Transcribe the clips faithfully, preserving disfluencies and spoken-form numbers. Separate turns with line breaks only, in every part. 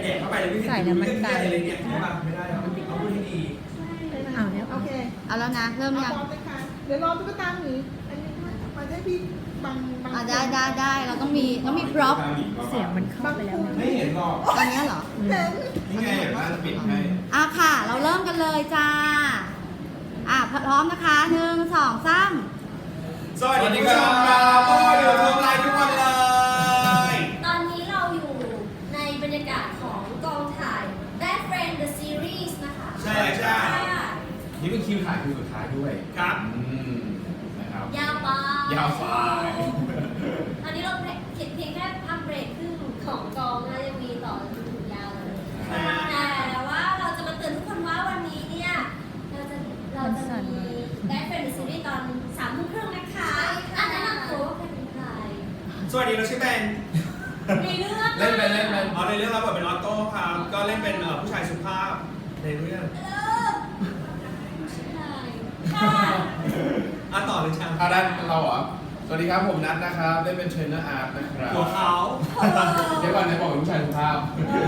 กเข้าไปเลยไม่เห็นเรื่องที่อะไรเลยเนี่ยใช่ป่ะไม่ได้หรอกเอาพูดให้ดี
เอาเนี่ยโอเค
เอาแล้วนะเริ่มยัง
พร้อมเลยค่ะเดี๋ยวรอตุ๊กตาหมีอันนี้มาให้พี่บังบัง
อ่ะได้ได้ได้เราต้องมีต้องมีพร็อพ
เสียงมันเข้าไปแล้ว
ไม่เห็นหรอก
ตอนนี้เหรอ
เห็น
นี่ไงเห็นว่าจะปิดให้
อ่ะค่ะ เราเริ่มกันเลยจ้าอ่ะพร้อมนะคะหนึ่งสองสาม
สวัสดีครับโอ้ยอยู่ทำไลน์ทุกวันเลย
ตอนนี้เราอยู่ในบรรยากาศของกองถ่าย Bad Friend the Series นะคะ
ใช่ใช่
นี่เป็นคิวถ่ายคิวสุดท้ายด้วย
ครับ
อืมนะครับ
ยาวไป
ยาวไป
ตอนนี้เราเพียงเพียงแค่พักเบรกครึ่งของกองนะยังมีต่อจนถึงยาวเลยแต่ว่าเราจะมาเตือนทุกคนว่าวันนี้เนี่ยเราจะเราจะมี Bad Friend the Series ตอนสามทุ่มครึ่งนะคะอันนั้นนำตัวว่าใครเป็นใคร
สวัสดีเราชื่อแบน
ในเรื่อง
เล่นไปเล่นไป
อ๋อในเรื่องเราบทเป็นออโต้ครับก็เล่นเป็นผู้ชายสุภาพในเรื่อง
เออใช่ค่ะ
อ่ะต่อเลยช่าง
อาดันเราเหรอ สวัสดีครับผมนัทนะครับเล่นเป็นเทรนเนอร์อาร์ตนะครับ
หัวเขา
เดี๋ยวก่อนไหนบอกเป็นผู้ชายสุภาพ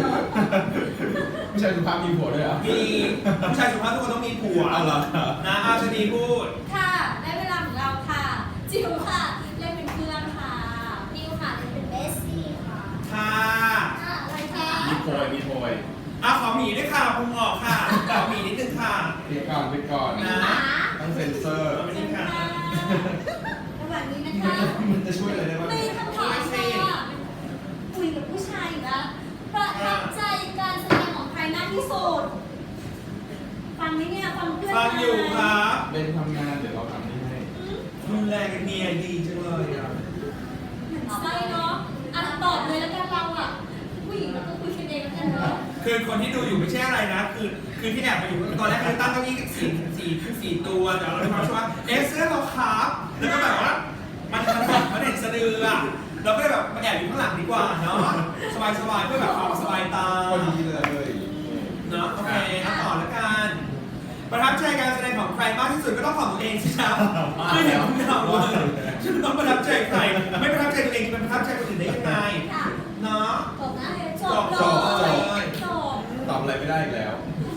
ผู้ชายสุภาพมีผัวด้วยเหรอ
มีผู้ชายสุภาพทุกคนต้องมีผัว
เอาเหรอ
นะอาชนีพูด
ค่ะได้เวลาของเราค่ะจิ๋วค่ะเล่นเป็นเพื่อนค่ะนิวค่ะเล่นเป็นเบสซี่ค่ะ
ค่ะ
อ่ะอะไรคะ
มีโพยมีโพย
อ่ะขอหมีด้วยค่ะพุงออกค่ะขอหมีนิดนึงค่ะ
ปิดก่อนปิดก่อน
นะ
หมา
ต้องเซ็นเซอร์
ขอบคุณค่ะ
ระหว่างนี้นะคะ
มันจะช่วยอะไรได้บ้าง
มีคำถามค่ะคุยกับผู้ชายอีกแล้วประทับใจการแสดงของใครมากที่สุดฟังไหมเนี่ยฟังเพื่อน
ฟังอยู่ครับ
เป็นทำงานเดี๋ยวเราทำนี่ให้
ดูแลกันเมียดีจังเลยอ่ะ
ใช่เนาะอ่ะตอบเลยแล้วกันเราอ่ะผู้หญิงเราก็คุยกันเองแล้วกันเนาะ
คือคนที่ดูอยู่ไม่ใช่อะไรนะ คือคือที่แอบไปอยู่ตอนแรกคือตั้งเก้าอี้สี่สี่สี่ตัวแต่เราคิดว่าเอ๊ะเสื้อเราครับแล้วก็แบบว่ามันมันมันเห็นสะดืออ่ะเราก็เลยแบบมาแอบอยู่ข้างหลังดีกว่าเนาะสบายสบายๆเพื่อแบบความสบายตา
พอดีเลย
เนาะโอเคเอาต่อแล้วกันประทับใจการแสดงของใครมากที่สุดก็ต้องของตัวเองสิครับคือเห็นคุณทำเลยฉันต้องประทับใจใครไม่ประทับใจตัวเองจะไปประทับใจคนอื่นได้ยังไง
ค่ะ
เนาะ
จบนะจ
จ
บบ
จบ
เลยจบ
ตอบอะไรไม่ได้อีกแล้ว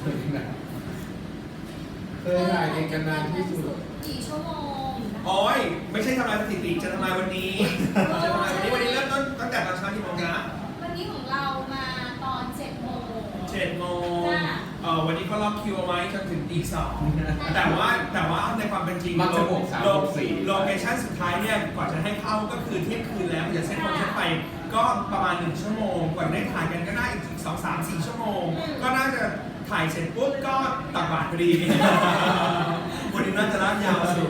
เคยถ่ายเองกันนานที่สุด
กี่ชั่วโมง
โอ้ยไม่ใช่ทำลายสถิติจะทำลายวันนี้จะทำลายวันนี้วันนี้เริ่มต้นตั้งแต่ตอนเช้ากี่โมงนะ
วันนี้ของเรามาตอนเจ็ดโมง
เจ็ดโมงเอ่อวันนี้เขาล็อกคิวเอาไว้จนถึงตีสองแต่ว่าแต่ว่าในความเป็นจริง
มักจะบวกสาม
โล
บวกสี่
โลเคชั่นสุดท้ายเนี่ยกว่าจะให้เข้าก็คือเที่ยงคืนแล้วจะเซ็ตโมงเซ็ตไปก็ประมาณหนึ่งชั่วโมงกว่าได้ถ่ายกันก็น่าอีกสองสามสี่ชั่วโมง ก็น่าจะถ่ายเสร็จปุ๊บก็ตักบาตรพอดี วันนี้น่าจะลากยาวสุด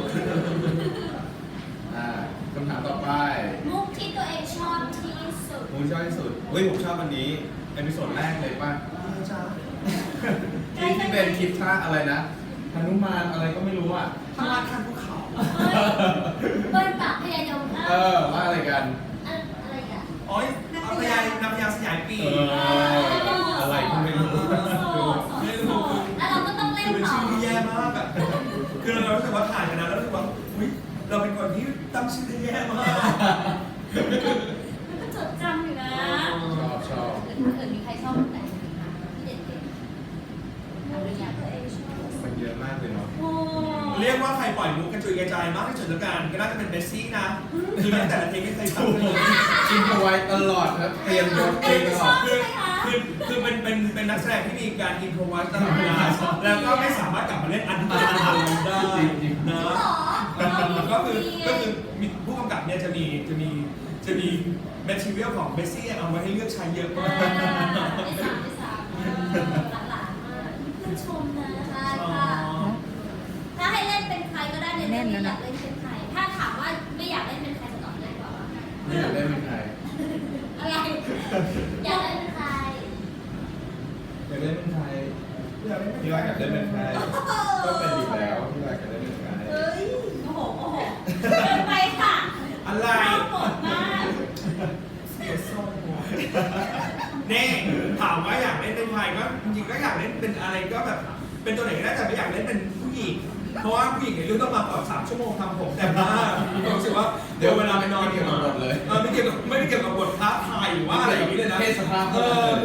อ่าคำถามต่อไป
มุกที่ตัวเองชอบที่สุด
ผมชอบที่สุดเฮ้ยผมชอบอันนี้เอพิโซดแรกเลยป่ะ
จ้า
ที่ที่เป็นคลิปท่าอะไรนะฮนุมานอะไรก็ไม่รู้อ่ะ
พลาดขั้นภูเขา
เบิ้ลปากพยายาม
เออว่าอะไรกัน
อะไรกัน
โอ้ยเอาพยายนำพยาสยายปี
เอออะไรก็ไม่รู้
ไม่รู้
แล้วเราก็ต้องเล่น
คือเป็น
ต่อ
ชื่อที่แย่มากอ่ะ คือเรารู้สึกว่าถ่ายกันนะแล้วรู้สึกว่าอุ้ยเราเป็นคนที่ตั้งชื่อได้แย่มาก
มันก็จดจำอยู่นะ
ชอบชอบ
เกิดมีใครชอบไหนที่เด็ดๆอะไรอย่างตัวเองชอบ
มันเยอะมากเลยเนาะ
โอ้
เรียกว่าใครปล่อยมุกกระจุยกระจายมากที่สุดแล้วกันก็น่าจะเป็นเบสซี่นะ คือตั้งแต่ละเพลงไม่เคยทำเลย
กินเอาไว้ตลอดครับเตรียมยศเองตลอด
คือคือคือเป็นเป็นเป็นนักแสดงที่มีการอินโทรวัตตลอดเวลาแล้วก็ไม่สามารถกลับมาเล่นอันเดิมได้นะ
หรอ
ก็คือก็คือมีผู้กำกับเนี่ยจะมีจะมีจะมีแมทเทียลของเบสซี่เอาไว้ให้เลือกใช้เยอะมาก
ไม่สามไม่สามหลานๆมากเพื่อนชมนะใช่ค่ะถ้าให้เล่นเป็นใครก็ได้ในเรื่องนี้อยากเล่นเป็นใครถ้าถามว่าไม่อยากเล่นเป็นใครจะตอบได้ก่อนว่า
ไม่อยากได้เป็นใคร
อะไร อยากเล่นเป็นใคร
อยากได้เป็นใครพี่ว่าอยากได้เป็นใครก็เป็นอยู่แล้วพี่ว่าอยากได้เป็นใคร
เฮ้ยโอ้โหโอ้โหเกินไปค่ะ
อะไร
เข้าหมดมาก
เสียทรงว่ะเน่ถามว่าอยากเล่นเป็นใครก็จริงๆก็อยากเล่นเป็นอะไรก็แบบเป็นตัวไหนก็ได้แต่ไม่อยากเล่นเป็นผู้หญิงเพราะว่าผู้หญิงในเรื่องต้องมาก่อนสามชั่วโมงทำผมแต่ว่าผมรู้สึกว่าเดี๋ยวเวลาไปนอน
ไม่เกี่ยวกับบทเลย
เออไม่เกี่ยวกับไม่ได้เกี่ยวกับบทท้าทายหรือว่าอะไรอย่างนี้เลยนะ
เพศสภาพ
เออคือเกี่ยวกับว่า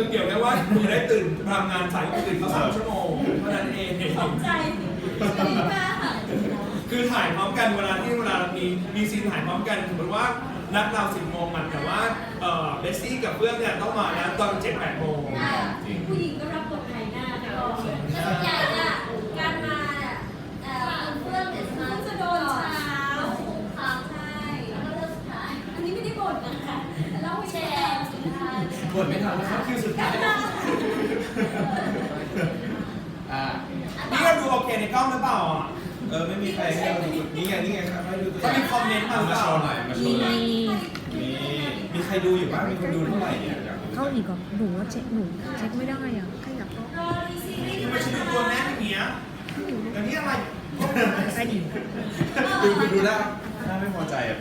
ว่าคุณจะได้ตื่นทำงานสายตื่นเขาสามชั่วโมงเท่านั้นเอง
ตกใจดีมากค่ะ
คือถ่ายพร้อมกันเวลาที่เวลามีมีซีนถ่ายพร้อมกันสมมติว่านัดเราสิบโมงมันแต่ว่าเอ่อเบสซี่กับเพื่อนเนี่ยต้องมานะตอนเจ็ดแปดโมง
ใช่ผู้หญิงก็รับบทไทยหน้าแต่ก็ส่วนใหญ่อะการมาเนี่ยเอ่อเพื่อนเนี่ยมาจะโดนเช้าค่ะใช่แล้วก็เลิกสุดท้ายอันนี้ไม่ได้บ่นนะคะเล่าแชร์สุดท้าย
บทไม่ทันแล้วครับคิวสุดท้ายอ่า
นี่ก็ดูโอเคในกล้องหรือเปล่าอ่ะ
เออไม่มีใครให้เราดูนี่ไงนี่ไงครับให้ดูตัว
ก็มีคอมเมนต์มาหรือ
มา
เป
โช
ล่า
ว์หน่อยมาโชว์หน่อยนี่มีใครดูอยู่บ้างมีคนดูเท่าไหร่เนี่ยอยากรู้
เข้าอีกเหรอหนูว่าเช็คหนูเช็คไม่ได้อ่ะขยับก็
รอรีซีรีส์
ทำไมฉันดูตัวแน่นอย่างเงี้ยแต่นี่อะไร
ไปดิ
ดูดูดูหน้าหน้าไม่พอใจอะเป็น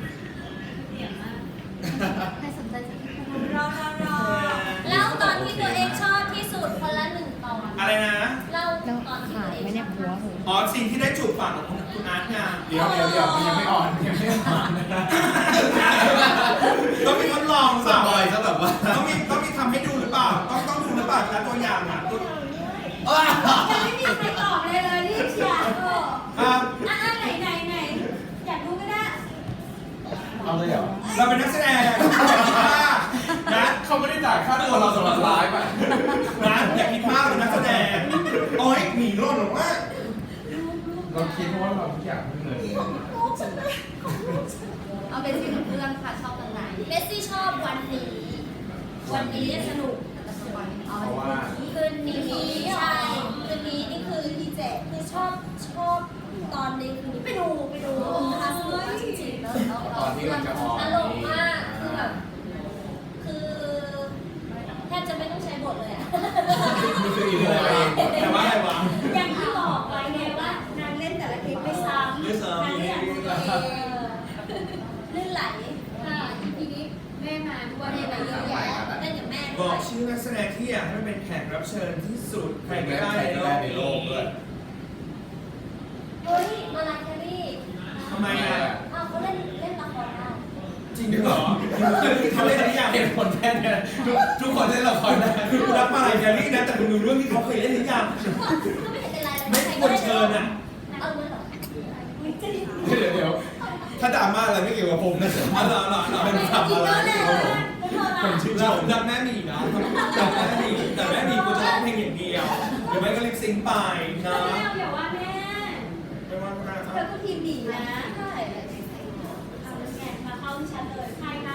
ใครสนใจจะรอรอรอแล้วตอนที่ตัวเองชอบที่สุดคนละหนึ่งตอน
อะไรนะ
เล่า
แล้ว
ตอนที่
ขา
ตั
ยว
เอง
ไม่เนี่ยหัวหนู
อ๋อสิ่งที่ได้จูบปากของคุณอาร์ตไง
เดี๋ยวเดี๋ยวเดี๋ยวมันยังไม่อ่อนยังไม่อ่อนนะ
ต้องมีทดลอง
ส
เปล่า
ปอยซะแบบว่า
ต้องมีต้องมีทำให้ดูหรือเปล่าต้องต้องดูหรือเปล่านะตัวอย่างอ่ะตัว
ยังไม่มีใครตอบเลยเลยรีบเชียร์เออ
อ่ะ
อ่ะไหนไหนไหนอยากดูก็ได้
เอาเลยเหรอ
เราเป็นนักแสดงนะ
เขาไม่ได้จ่ายค่าตัวเราสำหรับไลฟ์อ่ะ
นะอย่าคิดมากเลยนักแสดงโอ้ยหนีร่นหรอว่า
เราคิดเพราะว่าเราทุกอย่างเงิน
ลูกฉันนะลูกฉัน
เอาเป็นสิ่งของเพื่อนค่ะชอบตรงไหน
เมสซี่ชอบวันนี้ วันนี้สนุก
เอา
เพราะว่า
คืนนี้ใช่คืนนี้นี่คือดีเจคือชอบชอบตอนในคืนนี้ไปดูไปดูนะคะสนุกมากจริงๆแล้วแล้ว
ตอนที่มันจะออน
ตลกมากคือแบบคือแทบจะไม่ต้องใช้บทเลยอะ
นี่คืออีกเรื่องเอง
แต่ว่าอะไรวะ
อย่างที่บอกไว้ไงว่านางเล่นแต่ละคลิปไม่ซ้ำ
ไม่ซ้ำ
นางอยากดูตัวเองลื่นไหลค่ะทีนี้แม่มาทุกวันแม่มาเยอะแยะเล่นกับแม่
บ
ด้
อ
ว
ก
ย
ชื่อนักแสดงที่อยากให้มันเป็นแขกรับเชิญที่สุดใคร
ใคร
ก็
ก็
ได้
ได้
ใน
ใน
โล
โล
ก
ก
นี้
ด้วย
เฮ้ยมาลาแครี่
ทำไมอ่ะ
อ้าวเขาเล่นเล่นละครได้
จริงเหรอเขาเล่นหรือยัง
เหตุผลแค่นี้ทุกทุกคนเล่นละครได้
คือกูรักมาลายแครี่นะแต่คุณดูเรื่องที่เขาเคยเล่นหรือยัง
ก็ไม่เห็นเป็นไรเลย
ไม่ควรเชิญอ่ะ
เอาเงินเหรอไม่จริง
เดี๋ยวเดี๋ยวถ้าดราม่าอะไรไม่เกี่ยวกับผมนะ
อ๋อเหรอเหรอเหรอ
เป็นทำอะไรไม่เกี่ยวกับผมผมชื่นช
รัก
ม
รักแม่หมีนะรักแม่หมีแต่แม่หมีกูจะร้องเพลงอย่างเดียวหรือไม่ก็ลิปซิงค์ไปนะ
แม่อย่าว่าแม่
ไม่ว่าก็ได้ค
เธ
รั
อบ ก็ทีมดีนะใช่เอาแล้วไงมาเข้าที่ฉันเลยใครค่ะ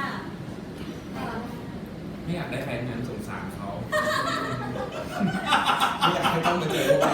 ไม่อยากได้แฟนงานสงสารเขาไม่อยากให้ต้องมาเจอพวกเรา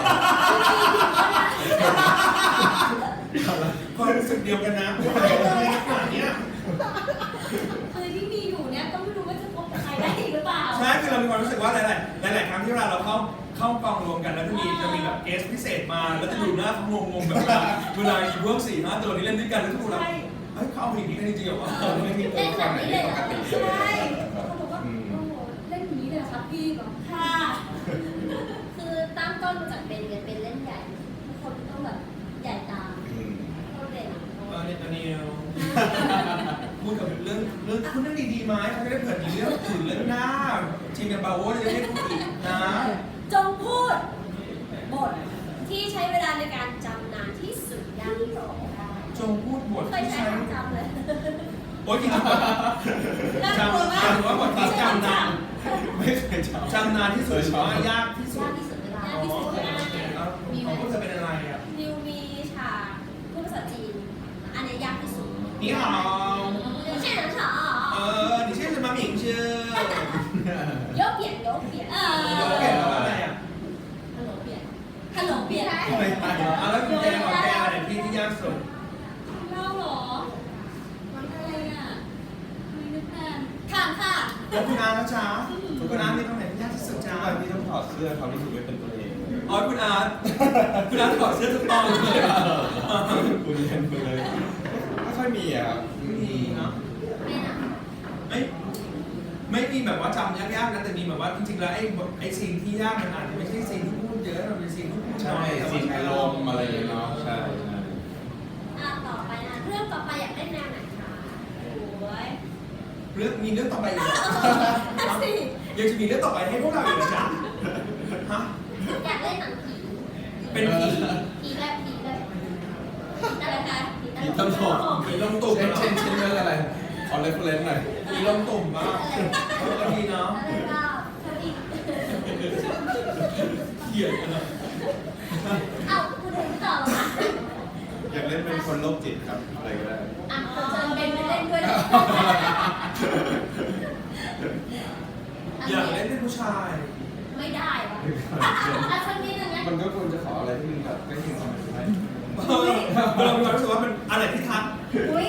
ความรู้สึกเดียวกันนะว่าอะไรขนาดเนี้ย
คือที่มีอยู่เนี่ยก็ไม่รู้ว่าจะพบกับใครได้อีกหรือเปล่า
ใช่คือเรามีความรู้สึกว่าหลายๆหลายๆครั้งที่เวลาเราเข้าเข้ากองรวมกันแล้วจะมีจะมีแบบเกสพิเศษมาแล้วจะดูหน้าเขางงๆแบบเวลาเวลาอยู่พวกสี่ห้าตัวนี้เล่นด้วยกันแล้วทุกคนแบบเฮ้ยเขาเอาอย่างนี้กันจริงๆเหรอวะ
ไม่มีตัว
เล่น
ละค
แบ
ร
บ
ไหน
นี้
ที่
เลย
ปกติ
ใช่เขาบอกว่าโอ้โหเล่นอย่างนี้เลยเหรอครับพี่บอกค่ะ คือตั้งต้นมาจากเป็นเนี่ยเป็นเล่นใหญ่ทุกคนต้องแบบใหญ่ตาม
อืม
ต้องเด่น
เออเนี่ยตอนนี้พูดกับเรื่องเรื่องพูดเรื่องดีๆไหมเขาจะได้เผื่อมีเรื่องอื่นเรื่องหน้าทีมกันบาโวจะได้พูดอีกนะ
จงพูดบทที่ใช้เวลาในการจำนานที่สุดยังที่บอกได้
จงพูดบท
เคย
ที่
ใช้
ใช้
คำจำเลย
โอ๊ยจริงๆจำจำว่าบทที่จำนาน
ไม่เคยจำ
จำนานที่สุดหรือว่ายากที่สุ
ยา
ด
กที่สุดเวลายาก
อ๋อ
ที่สุด
โอ
เว
เค
ลา
โอเคแล้วของพวกเธอเป็นอะไรอ่ะ
นิวมีฉากพูดภาษาจีน อันนี้ยากที่สุด
นี่好
现场ฉาก
เออ你现在什么名字
有扁有扁เออ
有เปลี่ยนแล้วอะไรอ่ะ
ฮัลโหลเปลี่ยนฮัลโหลเปลี่ยน
ไม่ใช่
อ่ะแล้วคุณแจของแกอะไรที่ที่ยากสุด
เล่าเหรอวันอะไรอ่ะไม่นึกนานถามค่ะ
แล้วคุณอาร์ตจ้าคุณอาร์ตมีตรงไหนที่ยากที่สุด
ทุ
จ้าก
วันที่ต้องถอดเสื้อเขารู้สึกไม่เป็นตัวเอง
อ๋อคุณอาร์ตคุณอาร์ตถอดเสื้อทุกตอนเลย
คุณเรียนคุณเลยไม่ค่อยมีอ่ะ
ไม่มีเนาะ
ไม่นะ
ไม่ไม่มีแบบว่าจำยากๆนะแต่มีแบบว่าจริงๆแล้วไอ้บทไอ้ซีนที่ยากมันอาจจะไม่ใช่ซีนที่พูดเยอะมันเป็นซีนที่พูดน้
ใช่
อยแต่
ซี
ว่าน
อารมณ์อะไรอย่างเงี้ยเนาะใช่ใช่
อ่ะต่อไปนะเรื่องต่อไปอยากเล่นแนวไหนคะโอ้ย
เรื่องมีเรื่องต่อไปอีกเหรอ
นั่นสิ
ยังจะมีเรื่องต่อไปให้พวกเราอีกเหรอจ๊ะฮะ
อยากเล่นหนังผี
เป็นผี
ผีแบบผีแบบผีอะไรคะผี
ผีตลก
ผีลงตุ่ม
เช่น
เหรอ
เช่นเช่นเรื่องอะไร ขอเรฟเฟรนซ์หน่อย
ผีลงตุ่มบ้างเออก็ดีเนาะ
อะไรก็ทำอีก
เกลียดกันเลย
เอ้าคุณถึงต่อเหรอคะ
อยากเล่นเป็นคนโรคจิตครับ อะไรก็ได้
อ่ะคนเชิญเป็นไปเล่นด้วยนะ
อยากเล่นเป็นผู้ชาย
ไม่ได้วะอ่ะสักนิดนึงนะ
มันก็ควรจะขออะไรที่มันแบบใกล้เคียงความเป็นไป
เออเรามีความรู้สึกว่ามันอะไรที่ทัก
อุ้ย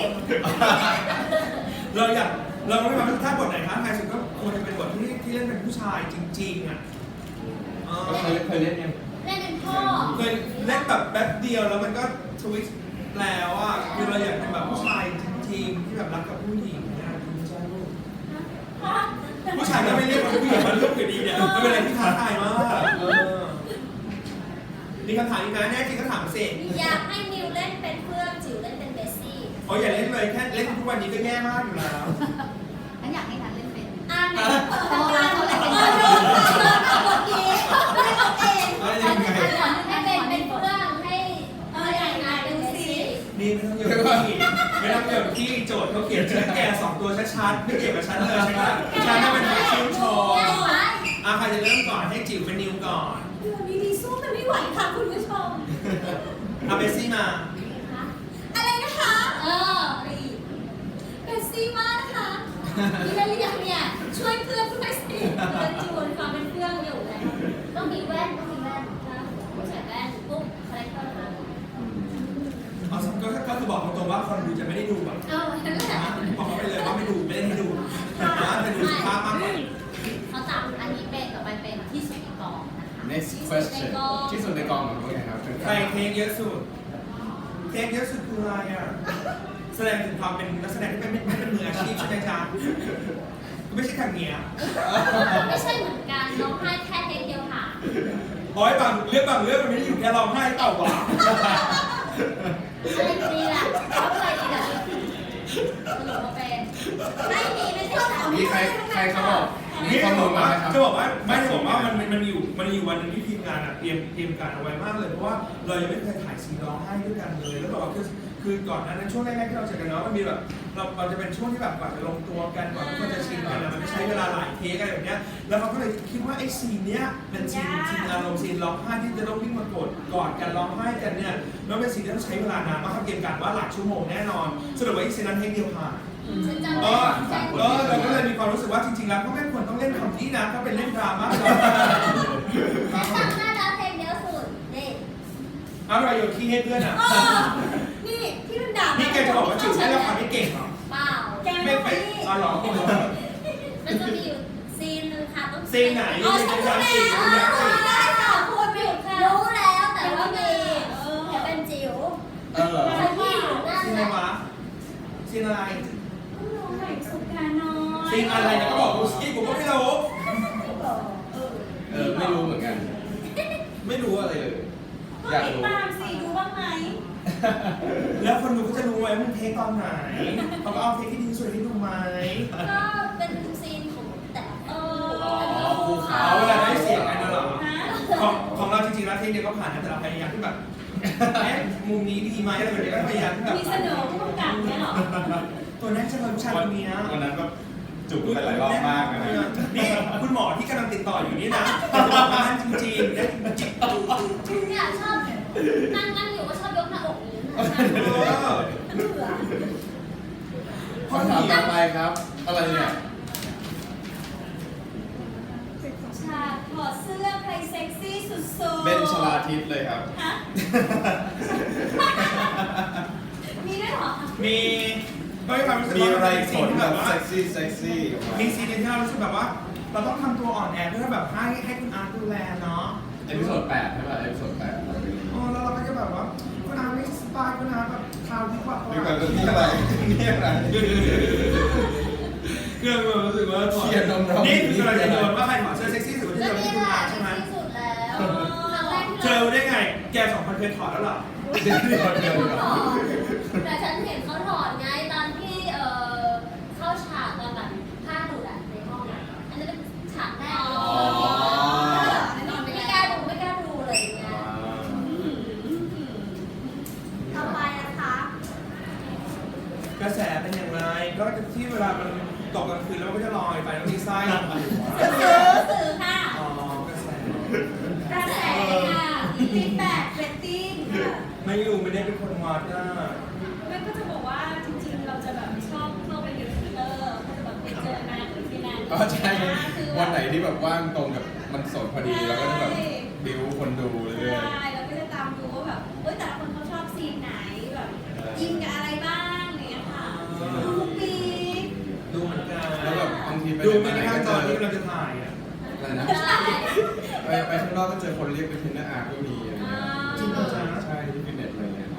เราอยากเราไม่ความรู้สึกถ้าบทไหนท้าทายสุดก็ควรจะเป็นบทที่ที่เล่นเป็นผู้ชายจริงๆอ่ะเออ
ก็เคยเคยเล่นยัง
เล่นเป็นพ่อ
เคยเล่นแบบแป๊บเดียวแล้วมันก็ทวิสต์แล้วอ่ะคือเราอยากเป็นแบบผู้ชายจริงๆที่แบบรักกับผู้หญิงเนี่ยคุณไม่ใช่ลูก
พ่อ
ผู้ชายก็ไม่เรียกว่าผู้หญิงมันเรื่องอยู่ดีเนี่ยมันเป็นอะไรที่ท้าทายมากเออมีคำถามอีกนะแน่จริงก็ถามมาสิ
อยากให้นิวเล่นเป็นเพื่อนจิ๋วเล่นเป็นเบสซี่
อ๋ออย่าเล่นเลยแค่เล่นทุกวันนี้ก็แย่มากอยู่แล้ว
ฉันอยากให้ฉันเล่นเป็น
อ่านในโครงการเขาเลยเป็นเพื่อนเพื่อนเอาบทนี้ไม่ได้เอาเอง
แล้วยังไง
ให้เป็นเป็นเพื่อนให้เอออย่างงานเป็นเบสซี่
นี่ไม่ต้องโยนที่ไม่ต้องโยนที่โจทย์เขาเขียนชื่อแกสองตัวชัดๆไม่เกี่ยวกับฉันเลยใช่ไหมฉันน่ะเป็นผู้ชื่นชม
ง่ายไหม
อ่ะใครจะเริ่มก่อนให้จิ๋วเป็นนิวก่อน
เดี๋ยวนี้ดีสู้กันไม่ไหวค่ะคุณผู้ชม
เอาเบสซี่มา
อะไรนะคะ เออเบสซี่มากนะคะนี่ได้หรือยังเนี่ยช่วยเพื่อนด้วยสิเพื่อนจูนความเป็นเพื่อนอยู่แล้วต้องมีแว่นต้องมีแว่นนะใส่แว่นปุ๊บคาแรคเตอร์นะ
เอาสักก็ก็คือบอกตรงๆว่าคนดูจะไม่ได้ดูแบบ
เออนั่นแหละ
บอกเขาไปเลยว่าไม่ดูไม่ได้ให้ดูนะจะดูสุภาพมากกว่า
เขาจับอันนี้เป็นต่อไปเป็นที่สุดในกองนะคะ
next question ที่สุดในกองของพวกนี้ครับ
ใครเทคเยอะสุดเทคเยอะสุดคืออะไรอ่ะแสดงถึงความเป็นนักแสดงที่ไม่ไม่เป็นมืออาชีพใช่ไหมจ๊ะไม่ใช่ทางเนี้ย
ไม่ใช่เหมือนกันร้องไห้แค่เพลงเดียวค่ะ
โอ้ยบางเรื่องบางเรื่องมันไม่ได้อยู่แค่ร้องไห้เต่าหวาน
อะไรดีล่ะเขาเคยดีล่ะสรุปว่าเป็นไม่มีไม่ใช่ฉัน
มีใครใครเขาบอกมี
นี่
ข้อ
จะบ
มู
อ
ล
ก
มา
ว่า
ไหมครับ
จะบอกว่าไม่จะบอกว่ามันมันมีอยู่มันมีอยู่วันหนึงที่ทีมงานอ่ะเตรียมเตรียมการเอาไว้มากเลยเพราะว่าเรายังไม่เคยถ่ายซีนร้องไห้ด้วยกันเลยแล้วแบบว่าคือคือก่อนหน้านั้นช่วงแรกๆที่เราเจอกันเนาะมันมีแบบเราเราจะเป็นช่วงที่แบบกว่าจะลงตัวกันกว่าทุกคนจะชินกันนะมันจะใช้เวลาหลายเทคอะไรแบบเนี้ยแล้วเขาก็เลยคิดว่าไอ้ซีนเนี้ยเป็นซีนซีนอารมณ์ซีนร้องไห้ที่จะต้องวิ่งมากดกอดกันร้องไห้กันเนี่ยแล้วเป็นซีนที่ต้องใช้เวลานานมากเขาเตรียมการว่าหลายชั่วโมงแน่นอนสรุปว่าไอ้ซีนนั้นเทคเดียวผ่าน
ฉันจำ
เอ
ได้
อ
ฉัน
เออเราก็เลยมีความรู้สึกว่าจริงๆแล้วก็ไม่ควรต้องเล่นคำนี้นะก็เป็นเล่นดราม่า
ฉันจำได้แล้วเพลงเดียวสุดนี่
อะไรโยนขี้ให้เพื่อนอ่ะ
นี่ที่มันด่า
นี่แกจะบอกว่าจิ๋วได้ละครไม่เก่งเหรอ
เปล่าแก
ไม่ไปอ๋อเหรอ
มันจะมีอยู่ซีนนึงค่ะต้อง
ซีนไหน
อ๋อฉันรู้แล้วรู้ได้ค่ะพูดไม่ค่ะรู้แล้วแต่ว่ามีแค่เป็นจิ๋ว
เออ
ฉันที่อยู่นั่น
ซีน
แห
อะไร
ละ
วะซีนอะไร
รู้ไหนสุดการน้อย
ซีนอะไรนะก็บอกกูสิกูก็ไม่รู้
เออไม่รู้เหมือนกัน ไม่รู้อะไรเลย อยากรู้
ตามสิดูบ้างไหม
แล้วคนดูก็จะรู้ไว้มึงเทคตอนไหนเขาก็เอาเทคที่ดีที่สุดให้ดูไหม
ก็เป็นซีนของแต่เออ
ภูเขา
เอาเวลาได้เสียงกันนะเหรอของของเราจริงๆแล้วเทคเดียวก็ผ่านนะแต่เราพยายามที่แบบเอ๊ะมุมนี้ดีไหมอะไรแบบนี้ก็พยายามที่แบบ
มีเสนอผู้กำกับไหมหรอ
ตัวแรกจะเป็นผู้ชายคนนี้
วันนั้นก็จุกไปหลายรอบมากนะ
นี่คุณหมอที่กำลังติดต่ออยู่นี่นะจะบอกว่าจริงๆนะจริง
เนี่ยชอบนั่งนั่งอยู่ก็ชอบยกหน้าอกนี้นะ
เออ
เบื่อ
เพราะ
คำถาม
นี่
ต่อไปครับ อะไรเนี่ย
ฉากถอดเสื้อใครเซ็กซี่สุดๆ
เบนชลาทิศเลยครับ
ฮะมีด้วยเหรอ
มีก็มีความรู้สึก
มี
ว่า
อะไร
เป็น
ข
ซีน
น
ที่
แบ
แบบ บว่า
เซ็กซี่เซ็กซี่ออกมา
มีซีนที่เรารู้สึกแบบว่า เราต้องทำตัวอ่อนแอเพื่อแบบให้ให้คุณอาร์ตดูแลเนาะ
เอพิโซดแปดใช่ป่ะเอพิโซดแปด
อ๋อแล้วเราก็จะแบบว่าคุณอาร์ตไม่สบายคุณอาร์ตแบบทาวที่กว่า
นี่มันนี่อะไรนี่อะไร
เครื่องมันรู้สึกว่า
เชียร์นมร้อง
นี่คือเราจะโยนว่าใครถอดเสื้อเซ็กซี่สุดที่
ก็
จะเป็น
นี่
คุณ
แหละ
อาร์ตใช่ไหม
ที่สุดแล้วครั้งแรกที่
เจ
เรา
อได้ไง แกสองคนเคยถอดแล้วเหรอ
เดี๋ยวเดี๋ยวเดี๋ยว
ถอดแต่ฉันเห็นเขาถอดไงตอนที่เอ่อเข้าฉากตอนแบบผ้าหลุดอะในห้องอะอันนั้นเป็นฉากแรก
ก็จะที่เวลามันตกกลางคืนแล้วมันก็จะลอยไปแล้วมีไส้ออกมาอยู่
สื่อสื่อค่ะ
อ๋อกระแส
กระแสค่ะฟีดแบ็กเรตติ้งค่ะ
ไม่รู้ไม่ได้เป็นคนวัดนะ
มันก็จะบอกว่าจริงๆ เราจะแบบชอบเข้าไปในทวิตเตอร์ก็จะแบบไปเจอนะหรือที่นั่น
ก็ใช่วันไหนที่แบบว่างตรงกับมันสดพอดีเราก็จะแบบดิวคนดูเรื่อย
ใช่เราก็จะตามดูว่าแบบเอ้ยแต่ละคนเขาชอบซีนไหนแบบยิงกับอะไรบ้างอะไรอย่างเงี้ยค่ะมุกปีก
ดูเหมือนกัน
ๆแล้วแบบบางทีไป
ดู
ไหน
ไม่
มา
ได้
ไหน
ขั้น
ก็
ต
เจ
อน
อ
ที่เราจะถ่ายอ่ะ
อะไรนะ
ใช่
ไปไปข้างนอกก็เจอคนเรียกเป็นเทรนเนอร์อาร์ตก็มีอะไรเงี้ย
จริงเหรอจ๊ะ
ใช่ที่ฟิตเนสอะไรเงี้ยครับ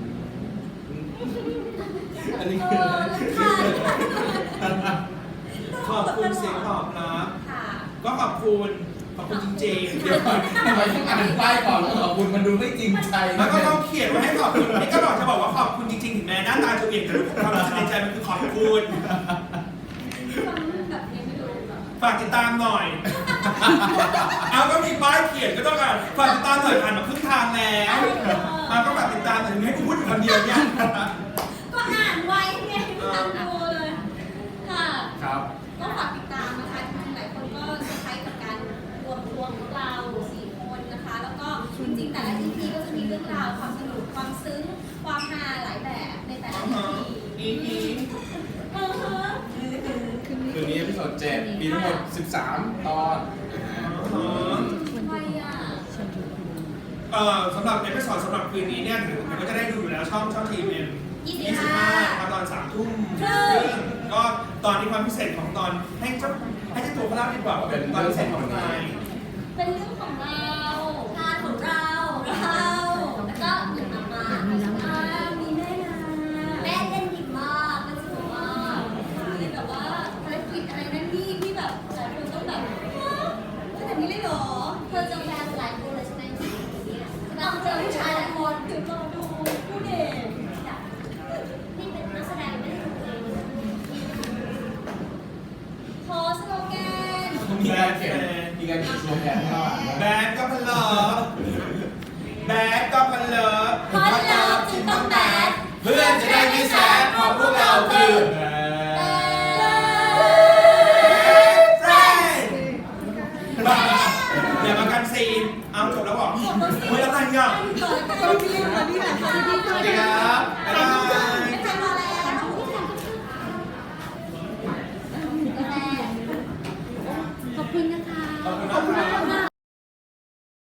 อันนี้
เอ
คือ
อค่ะ
ขอบคุณเสียงตอบรับ
ค่ะ
ก็ขอบคุณขอบคุณจริงๆ
เดี๋ยวก่อนทำไมต้องอ่านป้ายก่อนแล้วขอบคุณมันดูไม่จริงใจ
แล้วก็ต้องเขียนไว้ให้ขอบคุณนี่ก็บอกจะบอกว่าขอบคุณจริงๆถึงแม้หน้าตาจะเปลี่ยนแต่ความรู้สึกในใจมันคือขอบคุณ
ฟังแบบยังไม่รู้แบบ
ฝากติดตามหน่อย เอาก็มีป้ายเขียนก็ต้องอ่ะฝากติดตามหน่อยผ่านมาครึ่งทางแล้วเอาก็ฝากติดตามหน่อยให้กูพูดอยู่คนเดียวเนี่ย
ก็อ่านไว้ไงตามดูเลยค่ะ
ครับ
ก็ฝากติดตามนะคะจริงๆหลายคนก็เซอร์ไพรส์กับการรวมตัวของเราสี่คนนะคะ แล้วก็จริงๆแต่ละ อี พี ก็จะมีเรื่องราวความสนุกความซึ้งความฮาหลายแบบในแต่ละ อี พี
อีอี
เออฮะ
คืนนี้พิโซดเจ็ดมีทั้งหมดสิบสามตอนนะฮะ
ไปอ่ะ
เอ่อสำหรับเอพิโซดสำหรับคืนนี้เนี่ยเดี๋ยวก็จะได้ดูอยู่แล้วช่องช่องทีเอ็มยี่สิบห้าครับตอนสามทุ่มครึ่งก็ตอนนี้ความพิเศษของตอนให้เจ้าให้เจ้าตัวเขาเล่าดีกว่าว่าเป็นตอนพิเศษของใคร
เป็นเรื่องของเรา
งานของเราเราแล้วก็หนึ่งมามา
อ่ามีแม่นา
แม่เล่นดีมากมันสวยมาก
มีแบบว่าภารกิจอะไรนั่นนี่ที่แบบหลายคนต้องแบบฮะขนาดนี้เลยเหรอ
เธอเจอแฟนหลายคนเลยใช่ไหมเนี่ย
ต้องเจอผู้ชายหลายคนถึงรอดูผู้เด่น
นี่เป็นนักแสดงไม่ได้ดูเอง
โพสโลแกน
มีการเขียนมีการเขียนสโลแกนให้เราอ่านด้วย
แบดก็พะเลอแบดก็พะเลอ
เพราะเราจึงต้องแบด
เพื่อนจะได้ไม่แซดเพราะพวกเราคือแฟนบ้าอย่ามากันซีนเอาจบแล้วบอกเฮ้ยอะไรอ่ะ
ตอนที่ตอนที่หลังตอนที่
สวัสดีครับบ๊ายบาย
ไม่ใช่มาแล้ว
ขอบคุณนะคะ
ขอบคุณนะครับ